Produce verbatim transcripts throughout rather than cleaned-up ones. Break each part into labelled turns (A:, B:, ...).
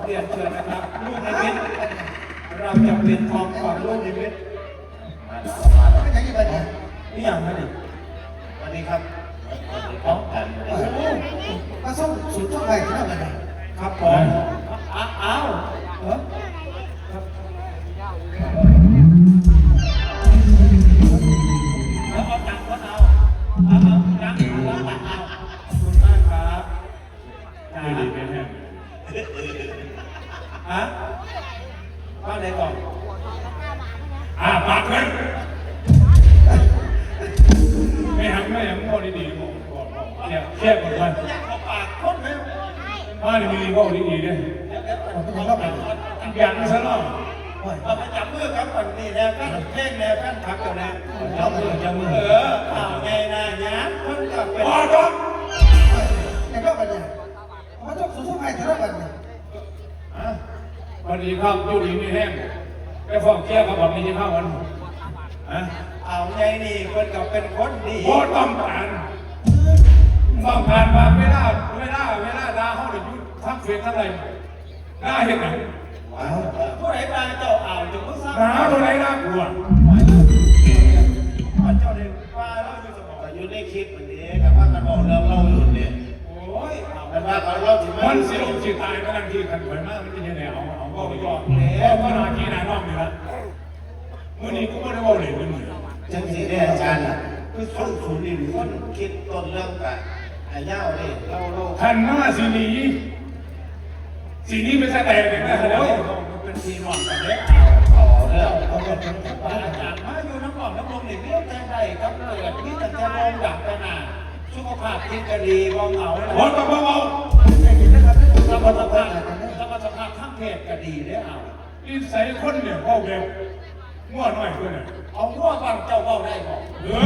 A: เรียนเชิญนะครับลูกนิมิตเราจะเปลี่ยนทองก่อนลูกนิมิต
B: มาแล้วมาแล้วไม่ใช่ยี่ห้อนี้
A: นี่อย่างไรดิ
B: สวัสดีครับของกันโอ้โหมาส่งสูตรช่องไทยที่นั่นเลยนะครับ
A: ผมอ้าวอ้าวเออแล้วเอาตังค์ก็เอาเอาเอาตังค์เอาตังค์เอาขอบคุณมากครับดีดีเป็นแห้งฮะว่าไหนก่อน
C: อ่าปากเลยไม่หักไม่หักพ่อดีๆบอกบอกบอกเทียบเทียบกันไป
A: ขอปากคนไหม
C: มาดีมีพ่อดีๆเนี่ยอย่างนี้ซะเนาะ
A: เราไปจับมือครับก่อนนี่แนวกันเพ่งแนวกันพักก่อนนะ
C: จับมือจับมือ
A: เออเอาไงนะยะคนกับเป็น
C: อ๋อครับ
B: ในรอบกันเนี่ยมาส่งสูตรช่องไทยที่นั่นกันเนี่ย
C: วันนี้ข้าวยูดีไม่แห้งไปฟ้องเชี่ยกับผมนี่จะเข้าวันฮะ
A: เอาไงนี่คนกับเป็นคนดี
C: โคตรต้องผ่านต้องผ่านมาไม่ได้ไม่ได้ไม่ได้ดาเขาเดี๋ยวยุดทั้งเฟียทั้งอะไรน่าเห็นไหม
A: ผู้ใดมาเจ้าอ่าวจะมึงสร้าง
C: หาตัวไหนน่ากลัว
A: เจ้าเด็กว่าเราอยู่สมอง
B: อยู่ในคลิปวันนี้กับว่ากันบอกเรื่องเล่าอยู่เนี่ย
A: โอ้ย
B: แต่ว่าเขาเล่าถึง
C: มันสิลงสิตายก็นั่งที่ขันถอยมากมันจะยังไงเอาเอาก็ไปก่อนแล้วก็นาทีนานอกนี่ละเมื่อนี้กูไม่ได้บอกเลยเมื่อนี้
B: จังสีเนี่ยอาจารย์อ่ะคือส่งสูตรนี่คนคิดต้นเรื่องกันไอ้เย้าเนี่ยเล่าเล่า
C: ขันหน้าสีนี้สีนี้ไม่ใช่แต่เด็กนะโอ้ย
A: เป็นทีหวังกันเล็ก
B: ต่อเรื่องเขาก็
A: อาจารย์มาอยู่น้ำหอมน้ำลมหลีกเลี่ยงแทนใดครับเลยที่แต่จะลงดับไปหนาสุขภาพจิตก็ดีบองเหงาเลย
C: วัดกับเบา
A: สมรรถภาพสมรรถภาพทั้งเพศก็ดีได้เอา
C: นิสัยคนเนี่ยพ่อแบบง่วงหน่อยด้วยเนี่ย
A: เอาง่วงบ้างเจ้าเบ้าได้บอก
C: เออ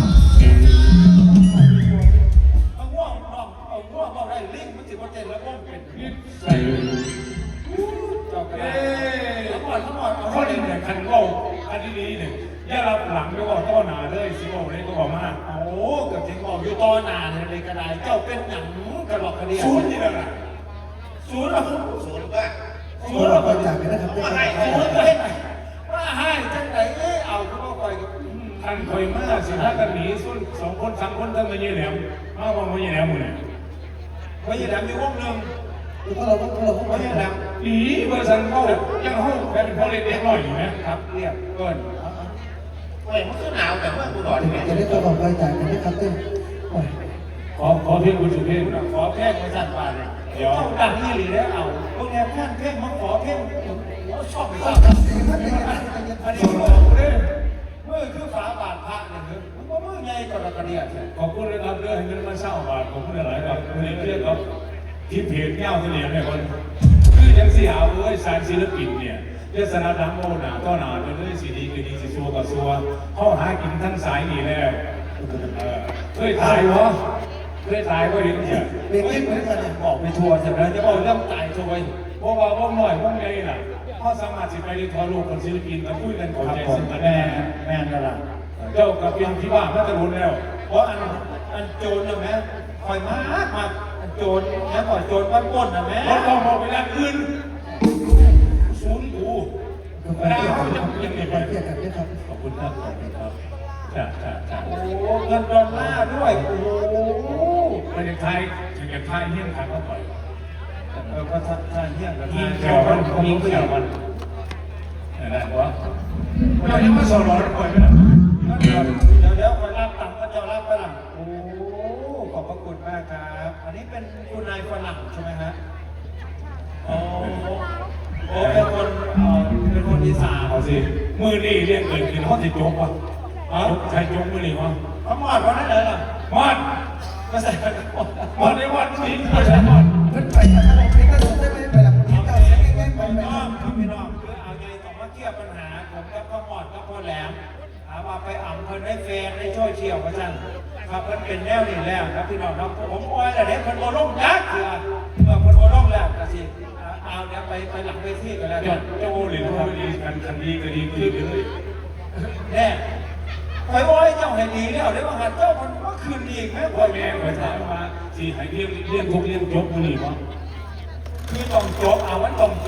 A: เอาง่วงบ้างเอาง่วงเบ้าได้ลิงมันสิบเปอร์เซ็นต์แล้วก็เป็น
C: นิสัย
A: เจ้าก็ได้ทั้งหมดทั้งหมดเอา
C: ข้อดีเนี่ยคันเบาคันดีๆเนี่ยย่ารับหลังไม่ว่าต้อหนาเลยสิบอกเลยก็บอกมาก
A: โอ้กับจริงบอกอยู่ต้อนานเลยกระไดเจ้าเป็นหนังกระหลอกกระเดีย
C: ศูนย์นี่แหละ
A: ศูนย์หรอ
B: ศูนย์ก็
A: ศูนย์หรอ
B: คนจากไปนะครับ
A: ว่าให้ศูนย์เลยว่าให้จังไหนเอ้เอาคุณพ่อคอยกับ
C: ท่านคอยมาสิถ้ากันหนีส่วนสองคนสามคนทั้งมาเยี่ยแหลมมาว่ามาเยี่ยแหลมหมดเลย
A: มาเยี่ยแหลมอยู่วงหนึ่ง
B: แล้วก็เราก็เราก็
A: มาเยี่ยแหลม
C: หนีเบอร์สันเข้ายังเข้าแบบเป็นพ่อเล็กเล็กน้อยอยู่ไหม
A: ครับเรียบเกิน
B: โอ้ยมันก็หนาวแต่เมื่อกูก่อนเนี่ย
D: จะได้ตัวของรายจ่ายกันนะครับเต้น
C: ขอขอเพียงคุณสุเทพ
A: ขอแพ่งบริษัทป่าเลยเดี๋ยวดังนี่หรือได้เอาพวกแนวแพ่งเพ่งมาขอเพ่งชอบไปชอบอันนี้เมื่อคือฝาบาทพระเนี่ยมันก็เมื่อไงกระกระเดียด
C: ขอบคุณนะครับเรื่องเงินมาเช่าบาทขอบคุณหลายครับเรื่องเรื่องครับที่เพจเงาที่เหลี่ยมเนี่ยคนคือยังสีหาวเอ้ยสายศิลปินเนี่ยเรื่องสนาดังโมหนาต้อหนาเป็นเรื่องสีดีคือดีสีชัวกับชัวเข้าหากินทั้งสายนี่แล้วเคยตายวะเคยตายก็เห็นเนี่ย
A: เด็กเหมือนกันบอกไปทัวร์ใช่ไหมจะบอกเรื่องตายทัวร์
C: เพราะว่าพวกหน่อยพวกใหญ่น่ะเขาสามารถสิไปในทัวร์โลกคนศิลปินมาคุยกันขอใจสิ่งแม่
A: แม่นั่นแหละ
C: เจ้ากับเป็นที่บ้านพัทลุนแล้ว
A: เพราะอันอันโจรนะแม่คอยมากมาอันโจรแล้วก่อนโจรบ้านก้นนะแม่
C: เราต้องมองไปด้านอื่นศูนย์ดูดาวจะยังไงไปขอบคุณครับขอบคุณครับจ้าจ้าจ้า
A: โอ้เงินดอลลาร์ด้วยโอ้
C: ประเทศไทยถึงจะไทยเฮี้ยนขันเข้าไป
A: เออก็ไทยเฮี้ยนกับไทย
C: เขียวมันมีเขียวมันอะไรวะเรายังไม่สอนร้อนก่อยไหมล่ะ
A: เดี๋ยวเดี๋ยวคอยรับตังค์ก็จะรับไปหลังโอ้ขอบพระคุณมากครับอันนี้เป็นคุณนายฝรั่งใช่ไหมฮะโอ้โอ้เป็นคนเป็นคนอีสาน
C: เอาสิมือนี่เรียกเกิดขึ้นเขาติดโจ๊กวะอ๋อใครโจ๊กมือนี่วะ
A: เขาหมอดวันนั้นเลยเหรอ
C: หมอด
A: ก็ใส่
C: หมอดในวันนี้ไม่ใช่หมอด
B: เพิ่นไปทางเราเป็นก็ส่งได้ไหมไปหลังนี้เจ้าเสียงแง่ๆไปไป
A: น้องพี่น้องคือเอาไงต้องมาเคลียร์ปัญหาผมกับพ่อหมอดกับพ่อแหลมถามว่าไปอ่ำเพิ่นได้เฟนได้ช่วยเชี่ยวกันจังครับเพิ่นเป็นแนวนี่แล้วครับพี่น้องครับผมอ้อยแต่เด็กเพิ่นโอล่งยักษ์เถื่อเมื่อเพิ่นโอล่งแล้วก็สิเอาเดี๋ยวไปไปหลังเวทีกันแล้ว
C: เจ้าโอหรือเขาดีกันคันดีก็ดีขึ้นเลย
A: แน่คอยอ้อยเจ้าให้ดีแล้วเดี๋ยวมาหัดเจ้ามันก็คืนดีอีกไหมคอย
C: แม่คอยถามว่าสิให้เรียกเรียกทุกเรียกจบมือนี่วะ
A: คือต้องจบเอาวันต้องจ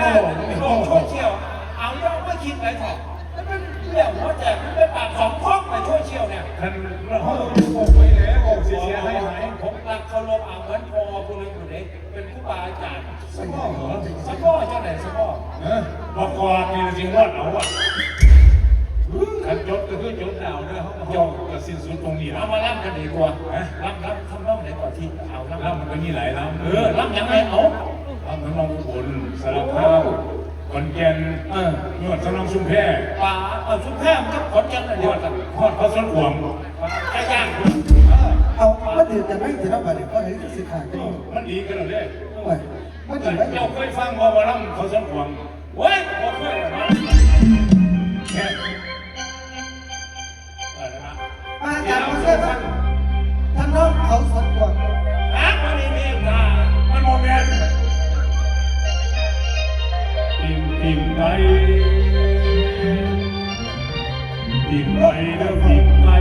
A: โลกโซเชียลเอาย่อไม่คิดไรถอดแล้วเป็นเรื่องหัวแจกมันเป็นปากสองพ้องไปโซเชียลเนี่ย
C: ท่านเราเขาบอกไปแล้วบอกเสียให้หาย
A: ผมรักเคารพอ่างเหมือนพอผู้นึงอยู่เด็กเป็นผู้บาอาจารย์
C: สมองเหรอ
A: สะก้อเจ้าไหนสะก้อ
C: เออบอกก่อนนี่จริงรอดเอาอ่ะขันยศก็คือยศดาวเนี่ยเขาจองกับสิ้นสุดตรงนี้แล้
A: เอา
C: ว
A: มาล่ำกันดีกว่าล่ำล่ำทำล่ำไหนก่อนที่เอาล่ำ
C: แล้วมันก็มีหลายลำ
A: เออล่ำยังไงเอา
C: ลำทั้งลำอุบลสารคามขอนแก่น
A: เออน
C: วดสนองชุมแพ
A: ป่าเออชุมแพมันก็ขอนกันเลย
C: น
A: เดียว
C: วด
A: กัน
C: ทอดข้าวสวนขวง
A: ไก่ย่าง
D: เอามาดื่มแต่ไม่ถึงเราไปเนี่ยก็เห็นสิขาดกัน
C: มันดีกันเลย
D: โอ้ยมาดื่มไม่
C: เจ้าเคยฟังว่าว่าลำข้าวสวนขวง
A: เว้ยบอกเลยนะ
C: แค่เออนะ
D: มาจากประเทศท่านน้องเขาสวนกวาง
A: อ่ะมันมีเมตตา
C: มันโมเมนต์ปิ่มปิ่มไปปิ่มไปเด้อปิ่มไป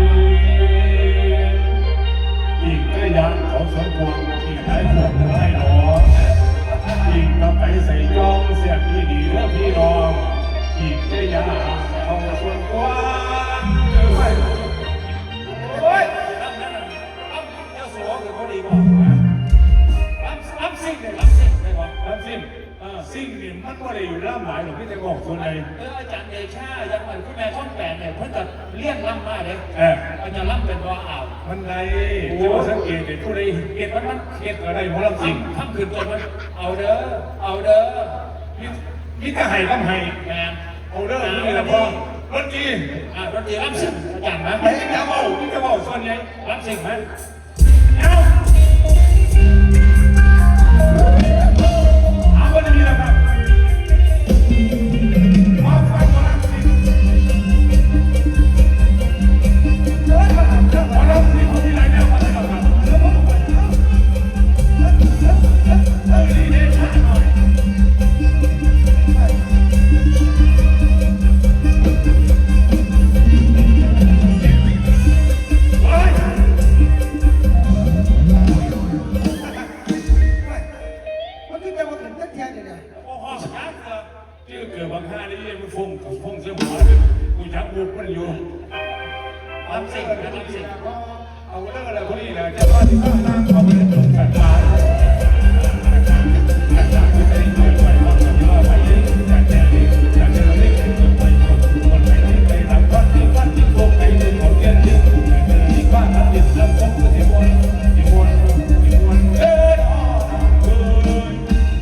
C: ปิ่มก็ยานเขาสวนขวงปิ่มได้ขวงได้หนอปิ่มก็ไปใส่จองเสียพี่ดีเด้อพี่น้องปิ่มก็ยานเขาสวนขวงเด้อ
A: โอ้ยล่ำนั่นน่ะล่ำเจ้าสัวคือเขาดีบอกล่ำล่ำซิ่งเลยล่ำซิ่งได้บอก
C: ลำซิ่งเออซิ่งนี่มันก็ได้อยู่ล่ำหลายหรอกพี่จะบอกส่วนใด
A: เอออาจารย์เดชายังเหมือนคุณแม่ช่องแปดเนี่ยเพิ่งจะเลี้ยงล่ำมาเลย
C: เออ
A: อาจารย์ล่ำเป็นว่าอ่าว
C: มันไรแต่ว่าสังเกตเห็นผู้ใดเห็นมันมันเห็นอะไรของลำซิ่ง
A: ทำขึ้นจนมันเอาเด้อเอาเด้อ
C: มิมิจะให้ต้องให้
A: แมน
C: เอาเด้อนี่ละพ่อรถจี
A: อ่ะดนตรีล่ำซิ่งอาจารย์นะ
C: ไอ้จะเบาพี่จะเบาส่วนใหญ่
A: ล่ำซิ่งไหม
C: เอาเอาวันนี้นะครับมาฟังหมอลำซิ่งหมอลำซิ่งที่ไหนเนี่ยมาเลยครับเออดีเด่นหน่อย
D: มันคือจะมาถึงตั้งแค่เนี่ย
A: โอ้โหช้าเกิน
C: ที่เกิดบางท่านี่มันฟงฟงเสื้อหมาเลยกูจับบุกมันอยู่
A: ล่ำซิ่งนะล่ำซิ่ง
C: เอาเรื่องอะไรพวกนี้นะจะว่าที่บ้านนั่งเอาไปตรงกันมาที่ไปเกิดไปบ้างที่ว่าไปยิ่งอยากจะเลี้ยงอยากจะเลี้ยงเกิดไปคนไปที่ไปทำวัดที่วัดที่โกงไปที่หมดเงินที่อยากจะเลี้ยงบ้านทำเด็ดลำต้นก็ที่มวนที่มวนที่มวนเอ้ยอ๋อเอ้ย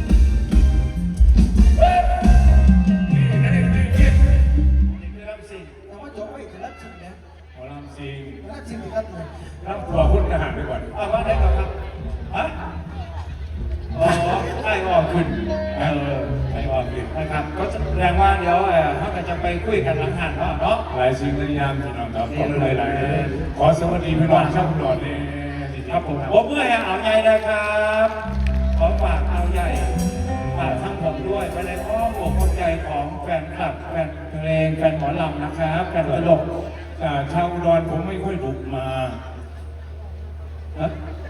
C: เอ้ยนี่นั่นเองนี่
A: นี่คือล่ำซิ่ง
D: แต่ว่าจบไปถึงรับชิมเนี่ย
C: หมอลำซิง
D: รับชิมครับเนี่ย
C: รับครัวคุณทหารไปก่อน
A: อ่ะว่าได้ก่อนครับฮะอ๋อไอ้ออกขึ้น
C: เออไอ้ออกดิ
A: นะครับก็แสดงว่าเดี๋ยวเออเขาก็จะไปคุยกันหลังหันเนาะเนาะ
C: หลายสิ่งหลายอย่างพี่น้องครับขอบคุณหลายๆขอสวัสดีพี่น้องชาวอุดรนี่
A: ครับผมผมเมื่อให้เอาใหญ่นะครับ ขอฝากเอาใหญ่ฝากทั้งผมด้วยไปในอ้อมอกอ้อมใจของแฟนคลับแฟนเพลงแฟนหมอลำนะครับแฟนตลก
C: อ่าชาวอุดรผมไม่ค่อยบุกมา
A: ฮะ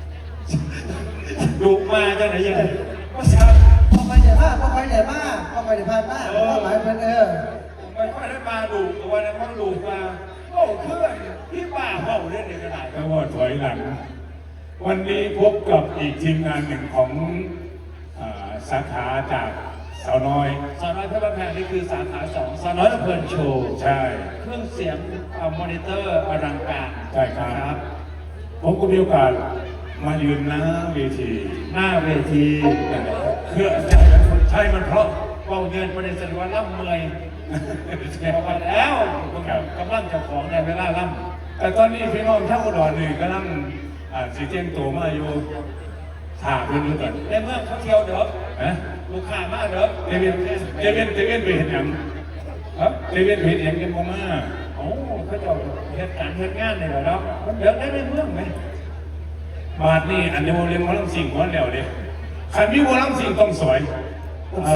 A: ดุมาจังไหนยังไงก็ชา
D: พอไปเดี๋ยวมาพอไปเดี๋ยวมาพอไปเดี๋ยวพานมาพอหมายเป็นเออ
A: ไม่ค่อยได้มาดุตัวนะเพราะดุมาโอ้เพื่อนพี่ป่าเมาเล่นในกระดาษ
C: แล้วก็ถอยหลัง วันนี้พบกับอีกทีมงานหนึ่งของอ่าสาขาจากสาวน้อย
A: สาวน้อยเพชรบ้านแพงนี่คือสาขาสองสาวน้อยลำเพลินโชว์
C: ใช่
A: เครื่องเสียงอ่ามอนิเตอร์อลังการ
C: ใช่ครับ ผมก็มีโอกาสมายืนหน้าเวที
A: หน้าเวที
C: เพื่อใช่มันเพราะ
A: เบาเยินประเด็นสริวัลล่ำเมยพอมาแล้วกำลังเจ้าของในเวลาล่
C: แต่ตอนนี้พี่น้องชาวอุดรนี่กำลังอ่าสีเจียงตัวมาอยู่ถามเพื่อนดูก่อน
A: ำในเมื่อเขาเที่ยวเด้อ
C: นะ
A: ลูกค้ามาเด้อ
C: เดวินเดวินเดวินไปเห็นยังครับเดวินไปเห็นยังกันบ่มา
A: โอ้เขาเจ้าเหตุการณ์เหตุงานเนี่ยเหรอเนาะมันเดินได้ในเมืองไหม
C: บาทนี่อันนี้โมเรียนหมอลำสิ่งก่อนแล้วเด้ขันมีหมอลำสิ่งต้องสวย
A: โ